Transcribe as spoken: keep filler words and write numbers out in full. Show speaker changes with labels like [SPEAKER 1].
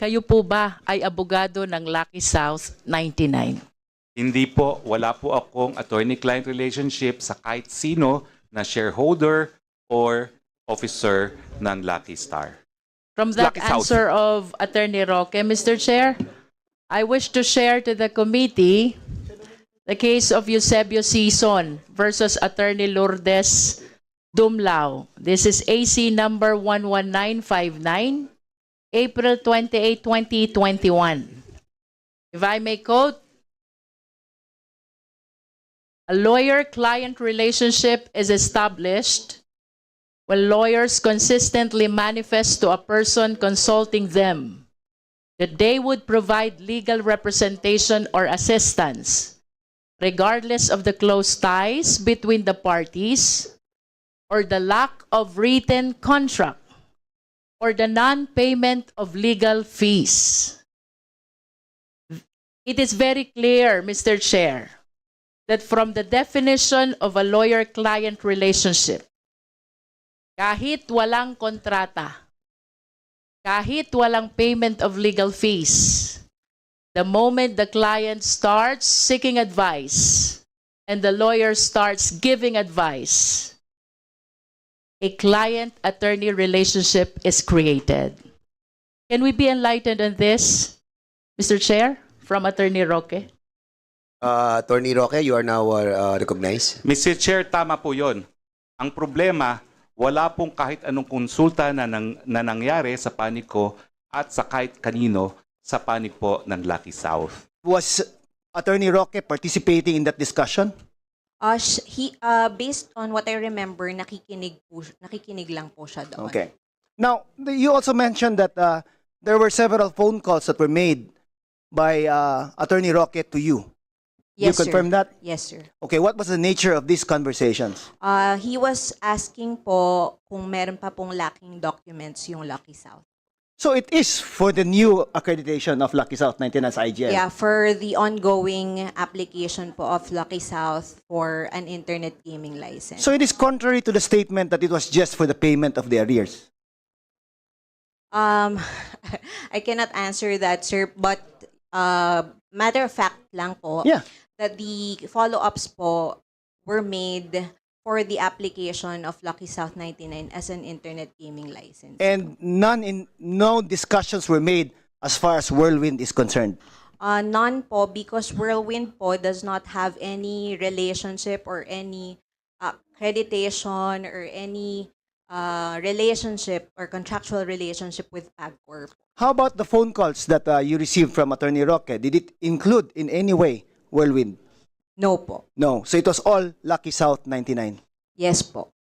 [SPEAKER 1] kayo po ba ay abogado ng Lucky South ninety-nine?
[SPEAKER 2] Hindi po, wala po akong attorney-client relationship sa kahit sino na shareholder or officer ng Lucky Star.
[SPEAKER 1] From that
[SPEAKER 2] Lucky South.
[SPEAKER 1] answer of Attorney Roque, Mister Chair, I wish to share to the committee the case of Eusebio Sison versus Attorney Lourdes Dumlao. This is A C number one one nine five nine, April twenty-eighth, twenty twenty-one. If I may quote, a lawyer-client relationship is established when lawyers consistently manifest to a person consulting them that they would provide legal representation or assistance, regardless of the close ties between the parties or the lack of written contract or the non-payment of legal fees. It is very clear, Mister Chair, that from the definition of a lawyer-client relationship, kahit walang kontrata, kahit walang payment of legal fees, the moment the client starts seeking advice and the lawyer starts giving advice, a client-attorney relationship is created. Can we be enlightened on this, Mister Chair, from Attorney Roque?
[SPEAKER 3] Uh, Attorney Roque, you are now uh, recognized.
[SPEAKER 2] Mister Chair, tama po yon. Ang problema, wala pong kahit anong konsulta na, nang, na nangyari sa panig ko at sa kahit kanino sa panig po ng Lucky South.
[SPEAKER 4] Was Attorney Roque participating in that discussion?
[SPEAKER 5] Uh, sh- he, uh, based on what I remember, nakikinig, po, nakikinig lang po siya doon.
[SPEAKER 4] Okay. Now, the- you also mentioned that uh, there were several phone calls that were made by uh, Attorney Roque to you.
[SPEAKER 5] Yes,
[SPEAKER 4] you confirm
[SPEAKER 5] sir.
[SPEAKER 4] that?
[SPEAKER 5] Yes, sir.
[SPEAKER 4] Okay, what was the nature of these conversations?
[SPEAKER 5] Uh, he was asking po kung meron pa pong lacking documents yung Lucky South.
[SPEAKER 4] So it is for the new accreditation of Lucky South ninety-nine as I G L.
[SPEAKER 5] Yeah, for the ongoing application po of Lucky South for an internet gaming license.
[SPEAKER 4] So it is contrary to the statement that it was just for the payment of the arrears.
[SPEAKER 5] Um, I cannot answer that, sir, but uh, matter of fact lang po,
[SPEAKER 4] Yeah.
[SPEAKER 5] that the follow-ups po were made for the application of Lucky South ninety-nine as an internet gaming license.
[SPEAKER 4] And none in no discussions were made as far as Whirlwind is concerned.
[SPEAKER 5] Uh, none po, because Whirlwind po does not have any relationship or any uh, accreditation or any uh, relationship or contractual relationship with PAGCOR.
[SPEAKER 4] How about the phone calls that uh, you received from Attorney Roque? Did it include in any way Whirlwind?
[SPEAKER 5] No po.
[SPEAKER 4] No. So it was all Lucky South ninety-nine.
[SPEAKER 5] Yes po.